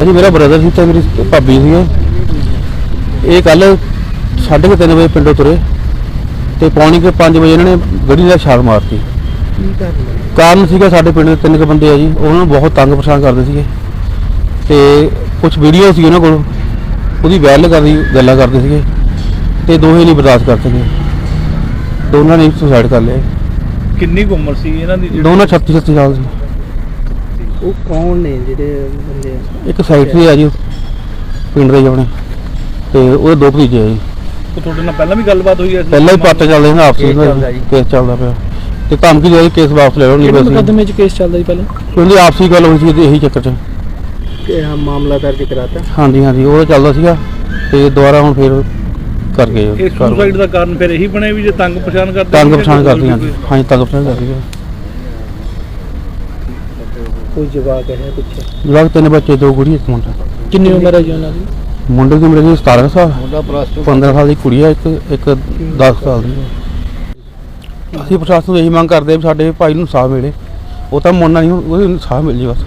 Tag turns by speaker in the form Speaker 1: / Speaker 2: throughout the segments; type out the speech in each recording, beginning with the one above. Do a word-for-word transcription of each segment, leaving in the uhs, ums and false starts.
Speaker 1: भाजी मेरा ब्रदर सी मेरी भाभी सी। ये कल साढ़े तीन बजे पिंडों तुरे तो पौनी के पाँच बजे इन्होंने गड्डी का छाल मारती। कारण सीगा साढ़े पिंड के तीन बंदे आ जी, उन्होंने बहुत तंग परेशान करते थे ते कुछ वीडियो सी उन्होंने कोल ਉਹਦੀ ਵੈਲ ਕਰਦੀ ਗੱਲਾਂ ਕਰਦੇ ਸੀਗੇ ਤੇ ਦੋਹੇ ਨਹੀਂ ਬਰਦਾਸ਼ਤ ਕਰ ਸਕੇ, ਦੋਨਾਂ ਨੇ ਸੁਸਾਈਡ ਕਰ ਲਿਆ।
Speaker 2: ਕਿੰਨੀ ਕੁ ਉਮਰ ਸੀ ਇਹਨਾਂ ਦੀ?
Speaker 1: ਦੋਨਾਂ ਛੱਤੀ ਛੱਤੀ ਸਾਲ ਸੀ।
Speaker 3: ਉਹ ਕੌਣ ਨੇ ਜਿਹੜੇ ਬੰਦੇ?
Speaker 1: ਇੱਕ ਸੈਕਟਰੀ ਆ ਜੀ ਪਿੰਡ ਦੇ ਜਾਣੇ ਤੇ ਉਹਦੇ ਦੋ ਭਤੀਜੇ ਆ ਜੀ।
Speaker 2: ਉਹ ਤੁਹਾਡੇ ਨਾਲ ਪਹਿਲਾਂ ਵੀ ਗੱਲਬਾਤ ਹੋਈ ਹੈ?
Speaker 1: ਪਹਿਲਾਂ ਹੀ ਪੱਟ ਚੱਲਦੇ ਨੇ ਆਪਸੀ ਕੇਸ ਚੱਲਦਾ ਪਿਆ ਤੇ ਧਮਕੀ ਦੇ ਕੇਸ ਵਾਪਸ ਲੈ ਲਓ ਨਹੀਂ ਬਸ।
Speaker 3: ਮੁਕੱਦਮੇ 'ਚ ਕੇਸ ਚੱਲਦਾ ਜੀ ਪਹਿਲਾਂ?
Speaker 1: ਉਹਦੀ ਆਪਸੀ ਗੱਲ ਹੋਈ ਸੀ ਇਹੀ ਚੱਕਰ 'ਚ
Speaker 3: ਕਿ ਹਾਂ ਮਾਮਲਾ ਦਰਜ ਕਰਾਤਾ।
Speaker 1: ਹਾਂਜੀ ਹਾਂਜੀ ਉਹ ਚੱਲਦਾ ਸੀਗਾ ਤੇ ਦੁਬਾਰਾ ਹੁਣ ਫਿਰ ਕਰ ਗਏ।
Speaker 2: ਇਹ ਸੁਸਾਈਡ ਦਾ ਕਾਰਨ ਫਿਰ ਇਹੀ ਬਣਿਆ ਵੀ ਜੇ ਤੰਗ ਪਛਾਣ ਕਰਦੇ?
Speaker 1: ਤੰਗ ਪਛਾਣ ਕਰਦੀ ਹਾਂਜੀ ਹਾਂਜੀ ਤੰਗ ਪਛਾਣ ਕਰਦੀ ਹੈ।
Speaker 3: ਕੋਈ ਜਵਾਕ ਹੈ ਪਿੱਛੇ?
Speaker 1: ਜਵਾਕ ਤਿੰਨ ਬੱਚੇ, ਦੋ ਕੁੜੀ ਇੱਕ ਮੁੰਡਾ।
Speaker 3: ਕਿੰਨੀ ਉਮਰ ਹੈ ਜੀ ਉਹਨਾਂ ਦੀ?
Speaker 1: ਮੁੰਡੇ ਦੀ ਉਮਰ ਹੈ ਸਤਾਰਾਂ ਸਾਲ, ਪੰਦਰਾਂ ਸਾਲ ਦੀ ਕੁੜੀ ਹੈ, ਇੱਕ ਇੱਕ ਦਸ ਸਾਲ ਦੀ ਹੈ। ਅਸੀਂ ਪ੍ਰਸ਼ਾਸਨ ਤੋਂ ਇਹੀ ਮੰਗ ਕਰਦੇ ਵੀ ਸਾਡੇ ਭਾਈ ਨੂੰ ਇਨਸਾਫ ਮਿਲੇ। ਉਹ ਤਾਂ ਮੁੰਡਾ ਨਹੀਂ, ਉਹਨੂੰ ਇਨਸਾਫ ਮਿਲ ਜੇ ਬਸ।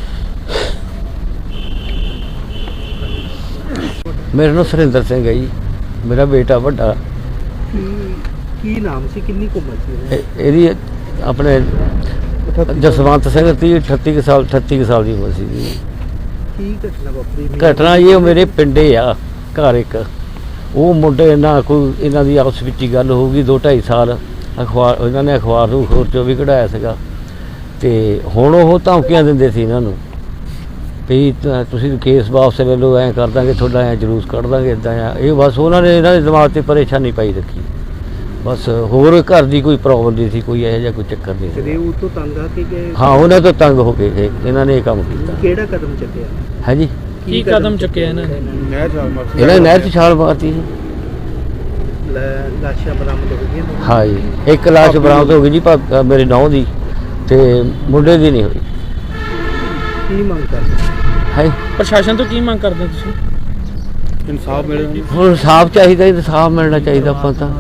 Speaker 4: मेरा नाम सुरिंदर सिंह है जी, मेरा बेटा बड़ा।
Speaker 3: ਕੀ ਨਾਮ ਸੀ, ਕਿੰਨੀ ਕੁ ਉਮਰ ਸੀ?
Speaker 4: ਇਹਦੀ ਆਪਣੇ ਜਸਵੰਤ ਸਿੰਘ ਦੀ ਅਠੱਤੀ ਕੁ ਸਾਲ ਅਠੱਤੀ ਕੁ ਸਾਲ ਦੀ ਉਮਰ ਸੀ ਜੀ।
Speaker 3: ਕੀ ਘਟਨਾ ਵਾਪਰੀ?
Speaker 4: ਘਟਨਾ ਇਹ ਮੇਰੇ ਪਿੰਡੇ ਆ ਘਰ ਇੱਕ, ਉਹ ਮੁੰਡੇ ਨਾਲ ਕੋਈ ਇਹਨਾਂ ਦੀ ਆਪਸ ਵਿੱਚ ਹੀ ਗੱਲ ਹੋ ਗਈ। ਦੋ ਢਾਈ ਸਾਲ ਅਖਬਾਰ ਇਹਨਾਂ ਨੇ ਅਖਬਾਰ ਨੂੰ ਹੋਰ ਚੋਂ ਵੀ ਕਢਾਇਆ ਸੀਗਾ ਤੇ ਹੁਣ ਉਹ ਧਮਕੀਆਂ ਦਿੰਦੇ ਸੀ ਇਹਨਾਂ ਨੂੰ ਵੀ ਤੁਸੀਂ ਕੇਸ ਵਾਪਸ ਲੈ ਲਓ, ਐਂ ਕਰ ਦਾਂਗੇ ਤੁਹਾਡਾ, ਐਂ ਜਲੂਸ ਕੱਢ ਦਾਂਗੇ, ਇੱਦਾਂ ਆ। ਇਹ ਬਸ ਉਹਨਾਂ ਨੇ ਇਹਨਾਂ ਦੇ ਦਿਮਾਗ 'ਤੇ ਪਰੇਸ਼ਾਨੀ ਪਾਈ ਰੱਖੀ, ਬਸ ਹੋਰ ਘਰ ਦੀ ਕੋਈ ਪ੍ਰੋਬਲਮ ਨਹੀਂ ਸੀ, ਕੋਈ ਇਹੋ ਜਿਹਾ ਕੋਈ ਚੱਕਰ ਨਹੀਂ ਸੀ।
Speaker 3: ਉਹ ਤੋਂ ਤੰਗ ਆ ਕੇ ਗਏ?
Speaker 4: ਹਾਂ ਉਹਨਾਂ ਤੋਂ ਤੰਗ ਹੋ ਕੇ ਗਏ, ਇਹਨਾਂ ਨੇ ਇਹ ਕੰਮ ਕੀਤਾ।
Speaker 3: ਕਿਹੜਾ ਕਦਮ ਚੱਕਿਆ
Speaker 4: ਹੈ ਜੀ?
Speaker 3: ਕੀ ਕਦਮ ਚੱਕਿਆ ਇਹਨਾਂ ਨੇ?
Speaker 2: ਨਹਿਰ ਛਾਲ ਮਾਰਤੀ।
Speaker 4: ਇਹਨਾਂ ਨੇ ਨਹਿਰ 'ਚ ਛਾਲ ਮਾਰਤੀ ਜੀ।
Speaker 3: ਲਾਸ਼ਾਂ ਬਰਾਮਦ ਹੋ ਗਈਆਂ?
Speaker 4: ਹਾਂ ਜੀ, ਇੱਕ ਲਾਸ਼ ਬਰਾਮਦ ਹੋ ਗਈ ਜੀ ਭਾ ਮੇਰੇ ਨੌਂ ਦੀ ਤੇ ਮੁੰਡੇ ਦੀ ਨਹੀਂ ਹੋਈ।
Speaker 3: ਕੀ ਮੰਗ ਕਰਦੇ
Speaker 4: ਹੈ?
Speaker 3: ਪ੍ਰਸ਼ਾਸਨ ਤੋਂ ਕੀ ਮੰਗ ਕਰਦੇ ਤੁਸੀਂ?
Speaker 2: ਇਨਸਾਫ ਮਿਲੇ।
Speaker 4: ਹੁਣ ਇਨਸਾਫ ਚਾਹੀਦਾ, ਇਨਸਾਫ ਮਿਲਣਾ ਚਾਹੀਦਾ ਆਪਾਂ ਤਾਂ।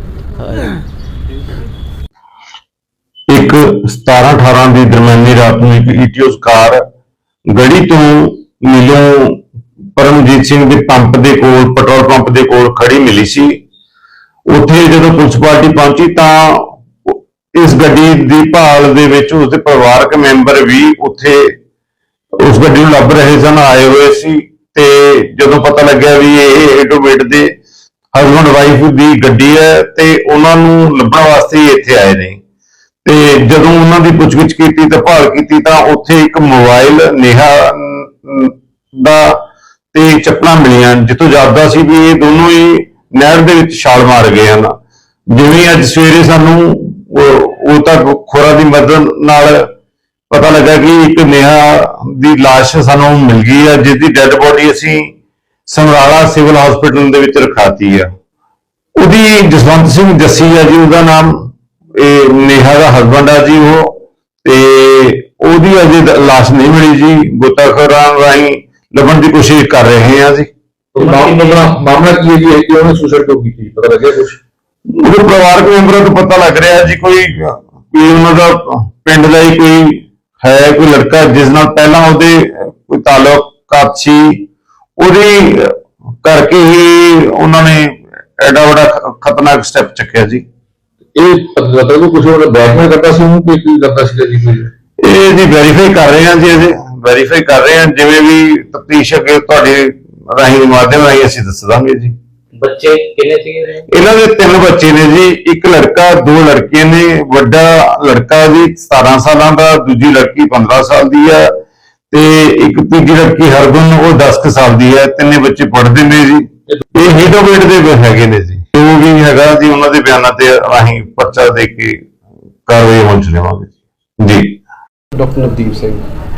Speaker 5: ਇੱਕ ਸਤਾਰਾਂ ਅਠਾਰਾਂ ਦੀ ਦਰਮਿਆਨੀ ਰਾਤ ਨੂੰ ਇੱਕ ਈਟੀਓਸ ਕਾਰ ਗੜੀ ਤੋਂ ਮਿਲਿਓ ਪਰਮਜੀਤ ਸਿੰਘ ਦੇ ਪੰਪ ਦੇ ਕੋਲ, ਪੈਟਰੋਲ ਪੰਪ ਦੇ ਕੋਲ ਖੜੀ ਮਿਲੀ ਸੀ। ਉੱਥੇ ਜਦੋਂ ਪੁਲਿਸ ਪਾਰਟੀ ਪਹੁੰਚੀ ਤਾਂ ਇਸ ਗੱਡੀ ਦੀ ਭਾਲ ਦੇ ਵਿੱਚ ਉਸਦੇ ਪਰਿਵਾਰਕ ਮੈਂਬਰ ਵੀ ਉੱਥੇ ਉਸ ਗੱਡੀ ਨੂੰ ਲੱਭ ਰਹੇ ਸਨ, ਆਏ ਹੋਏ ਸੀ। ਤੇ ਜਦੋਂ ਪਤਾ ਲੱਗਿਆ ਵੀ ਇਹ ਐਡਵੋਕੇਟ ਦੇ ਹਸਬੈਂਡ ਵਾਈਫ ਦੀ ਗੱਡੀ ਹੈ ਤੇ ਉਹਨਾਂ ਨੂੰ ਲੱਭਣ ਵਾਸਤੇ ਹੀ ਇੱਥੇ ਆਏ ਨੇ। ਤੇ ਜਦੋਂ ਉਹਨਾਂ ਦੀ ਪੁੱਛਗਿੱਛ ਕੀਤੀ ਤਾਂ ਭਾਲ ਕੀਤੀ ਤਾਂ ਉੱਥੇ ਇੱਕ ਮੋਬਾਈਲ ਨੇਹਾ ਦਾ ਤੇ ਚੱਪਲਾਂ ਮਿਲੀਆਂ, ਜਿੱਥੋਂ ਜਾਪਦਾ ਸੀ ਵੀ ਇਹ ਦੋਨੋਂ ਹੀ ਨਹਿਰ ਦੇ ਵਿੱਚ ਛਾਲ ਮਾਰ ਗਏ ਹਨ। ਜਿਵੇਂ ਅੱਜ ਸਵੇਰੇ ਸਾਨੂੰ ਉਹ ਤਾਂ ਖੋਰਾ ਦੀ ਮਦਦ ਨਾਲ ਪਤਾ ਲੱਗਾ ਕਿ ਇੱਕ ਨੇਹਾ ਦੀ ਲਾਸ਼ ਸਾਨੂੰ ਮਿਲ ਗਈ ਹੈ, ਜਿਸ ਦੀ ਡੈੱਡ ਬੋਡੀ ਅਸੀਂ ਸਮਰਾਲਾ ਸਿਵਲ ਹਸਪੀਟਲ ਦੇ ਵਿੱਚ ਰਖਾਤੀ ਆ। ਉਹਦੀ ਜਸਵੰਤ ਸਿੰਘ ਜੱਸੀ ਆ ਜੀ ਉਹਦਾ ਨਾਮ, ਇਹ ਨੇਹਾ ਦਾ ਹਸਬੈਂਡ ਆ ਜੀ ਉਹ, ਤੇ ਉਹਦੀ ਅਜੇ ਲਾਸ਼ ਨਹੀਂ ਮਿਲੀ ਜੀ। ਗੋਤਾਖੋਰਾਂ ਰਾਹੀਂ ਲੱਭਣ ਦੀ ਕੋਸ਼ਿਸ਼ ਕਰ ਰਹੇ ਹਾਂ ਜੀ।
Speaker 6: ਮਾਮਲਾ ਕੀ ਹੈ ਜੀ ਕਿ ਉਹਨੇ ਸੁਸਾਈਡ ਕਿਉਂ ਕੀਤੀ, ਪਤਾ ਲੱਗਿਆ ਕੁਝ?
Speaker 5: ਉਹਦੇ ਪਰਿਵਾਰਕ ਮੈਂਬਰਾਂ ਤੋਂ ਪਤਾ ਲੱਗ ਰਿਹਾ ਜੀ ਕੋਈ ਕੋਈ ਉਹਨਾਂ ਦਾ ਪਿੰਡ ਦਾ ਹੀ ਕੋਈ ਹੈ, ਕੋਈ ਲੜਕਾ ਜਿਸ ਨਾਲ ਪਹਿਲਾਂ ਉਹਦੇ ਕੋਈ ਤਾਲੁਕਾਤ ਸੀ, ਉਹਦੀ ਕਰਕੇ ਹੀ ਉਹਨਾਂ ਨੇ ਐਡਾ ਵੱਡਾ ਖਤਰਨਾਕ ਸਟੈਪ ਚੱਕਿਆ ਜੀ।
Speaker 6: ਇਹ ਪਤਾ ਲੱਗੂ ਕੁਝ ਉਹਨੇ ਬਲੈਕਮੇਲ ਕਰਦਾ ਸੀ ਉਹਨੂੰ ਕਿ ਕੀ ਕਰਦਾ ਸੀ ਜੀ? ਕੋਈ
Speaker 5: ਇਹ ਜੀ ਵੈਰੀਫਾਈ ਕਰ ਰਹੇ ਹਾਂ ਜੀ, ਇਹਦੇ ਵੈਰੀਫਾਈ ਕਰ ਰਹੇ ਹਾਂ। ਜਿਵੇਂ ਵੀ ਤਫਤੀਸ਼ ਅੱਗੇ ਤੁਹਾਡੇ ਰਾਹੀਂ ਮਾਧਿਅਮ ਰਾਹੀਂ ਅਸੀਂ ਦੱਸ ਦਾਂਗੇ ਜੀ।
Speaker 7: ਬੱਚੇ ਕਿੰਨੇ ਸੀਗੇ?
Speaker 5: ਇਹਨਾਂ ਦੇ ਤਿੰਨ ਬੱਚੇ ਨੇ ਜੀ, ਇੱਕ ਲੜਕਾ, ਦੋ ਲੜਕੀਆਂ ਨੇ। ਵੱਡਾ ਲੜਕਾ ਜੀ ਸਤਾਰਾਂ ਸਾਲਾਂ ਦਾ, ਦੂਜੀ ਲੜਕੀ ਪੰਦਰਾਂ ਸਾਲ ਦੀ ਆ ਤੇ ਇੱਕ ਤੀਜੀ ਲੜਕੀ ਹਰਗੁਣ ਉਹ ਦਸ ਕੁ ਸਾਲ ਦੀ ਹੈ। ਤਿੰਨੇ ਬੱਚੇ ਪੜ੍ਹਦੇ ਨੇ ਜੀ। ਇਹ ਹੀਡੋਵੇਟ ਦੇ ਹੈਗੇ ਨੇ ਜੀ। ਜੋ ਵੀ ਹੈਗਾ ਜੀ ਉਹਨਾਂ ਦੇ ਬਿਆਨਾਂ ਤੇ ਅਸੀਂ ਪਰਚਾ ਦੇ ਕੇ ਕਾਰਵਾਈ ਹੋਣ ਚ ਲਵਾਂਗੇ ਜੀ।
Speaker 6: ਡਾਕਟਰ ਨਵਦੀਪ ਸਿੰਘ।